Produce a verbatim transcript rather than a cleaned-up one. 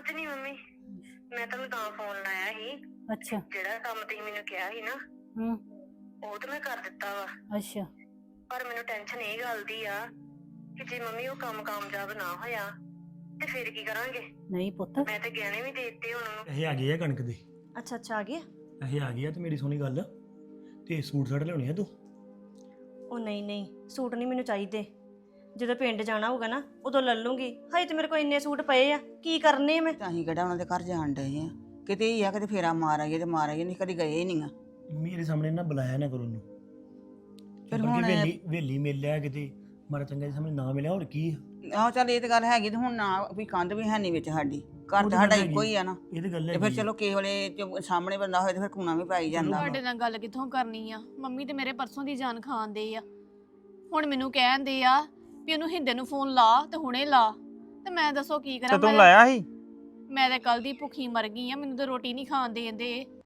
ਕੁਝ ਨਹੀਂ ਮੰਮੀ, ਮੈਂ ਤੁਹਾਨੂੰ ਤਾਂ ਫੋਨ ਲਾਇਆ ਸੀ। ਅੱਛਾ। ਜਿਹੜਾ ਕੰਮ ਤੁਸੀਂ ਮੈਨੂੰ ਕਿਹਾ ਸੀ ਨਾ, ਹੂੰ। ਉਹ ਤਾਂ ਮੈਂ ਕਰ ਦਿੱਤਾ ਵਾ। ਅੱਛਾ। ਪਰ ਮੈਨੂੰ ਟੈਨਸ਼ਨ ਇਹ ਗੱਲ ਦੀ ਆ ਕਿ ਜੇ ਮੰਮੀ ਉਹ ਕੰਮ ਕਾਮਯਾਬ ਨਾ ਹੋਇਆ ਤੇ ਫਿਰ ਕੀ ਕਰਾਂਗੇ? ਨਹੀਂ ਪੁੱਤ, ਮੈਂ ਤੇ ਗਹਿਣੇ ਵੀ ਦੇ ਦਿੱਤੇ ਉਹਨਾਂ ਨੂੰ। ਇਹ ਆ ਗਈ ਆ ਕਣਕ ਦੀ। ਅੱਛਾ ਅੱਛਾ ਆ ਗਿਆ। ਇਹ ਆ ਗਈ ਆ ਤੇ ਮੇਰੀ ਸੋਹਣੀ ਗੱਲ ਤੇ ਸੂਟ ਸਾਟ ਲਿਆਉਣੇ ਆ ਤੂੰ। ਉਹ ਨਹੀਂ ਨਹੀਂ ਸੂਟ ਨਹੀਂ ਮੈਨੂੰ ਚਾਹੀਦੇ। ਜਦੋਂ ਪਿੰਡ ਜਾਣਾ ਹੋਊਗਾ ਨਾ ਉਦੋਂ ਲੈ ਲੂੰਗੀ। ਹਜੇ ਤੇ ਮੇਰੇ ਕੋਲ ਇੰਨੇ ਸੂਟ ਪਏ ਆ, ਕੀ ਕਰਨੇ ਆ ਮੈਂ? ਤਾਂ ਅਸੀਂ ਕਿਹੜਾ ਉਹਨਾਂ ਦੇ ਘਰ ਜਾਣ ਡਏ ਆ, ਕਿਤੇ ਹੀ ਆ ਕਿਤੇ ਫੇਰਾ ਮਾਰ ਆਈਏ ਤੇ ਮਾਰ ਆਈਏ, ਨਹੀਂ ਕਦੀ ਗਏ ਹੀ ਨਹੀਂ ਆ। ਮੇਰੇ ਸਾਹਮਣੇ ਨਾ ਬੁਲਾਇਆ ਨਾ ਕਰੋ ਉਹਨੂੰ। ਫਿਰ ਫਿਰ ਹੁਣ- ਹੁਣ ਵੇਲੀ ਵੇਲੀ ਮਿਲ ਲਿਆ ਕਿਤੇ ਮਾਰਾ ਚੰਗਾ ਦੇ ਸਾਹਮਣੇ ਨਾ ਮਿਲਿਆ ਹੋਰ ਕੀ ਆ। ਆਹੋ ਚੱਲ ਇਹ ਤੇ ਗੱਲ ਹੈਗੀ ਤੇ ਹੁਣ ਨਾ ਵੀ ਕੰਧ ਵੀ ਹੈ ਨਹੀਂ ਵਿੱਚ ਸਾਡੀ, ਘਰ ਤਾਂ ਸਾਡਾ ਇੱਕੋ ਹੀ ਆ ਨਾ। ਇਹ ਤੇ ਗੱਲ ਹੈ। ਤੇ ਫਿਰ ਚਲੋ ਕਿਸੇ ਵੇਲੇ ਜੋ ਸਾਹਮਣੇ ਬੰਦਾ ਹੋਏ ਤੇ ਫਿਰ ਕੂਣਾ ਵੀ ਪਾਈ ਜਾਂਦਾ। ਤੁਹਾਡੇ ਨਾਲ ਗੱਲ ਕਿੱਥੋਂ ਕਰਨੀ ਆ? ਮੰਮੀ ਤੇ ਮੇਰੇ ਪਰਸੋਂ ਦੀ ਜਾਨ ਖਾਂਦੇ ਆ। ਹੁਣ ਮੈਨੂੰ ਕਹਿੰਦੇ ਆ ਵੀ ਉਹਨੂੰ ਹਿੰਦੇ ਨੂੰ ਫੋਨ ਲਾ ਤੇ ਹੁਣੇ ਲਾ, ਤੇ ਮੈਂ ਦੱਸੋ ਕੀ ਕਰਾਂ? ਤੇ ਤੂੰ ਲਾਇਆ ਸੀ? ਮੈਂ ਤੇ ਕੱਲ ਦੀ ਭੁੱਖੀ ਮਰ ਗਈ ਆ, ਮੈਨੂੰ ਤਾਂ ਰੋਟੀ ਨਹੀਂ ਖਾਣ ਦੇਂਦੇ।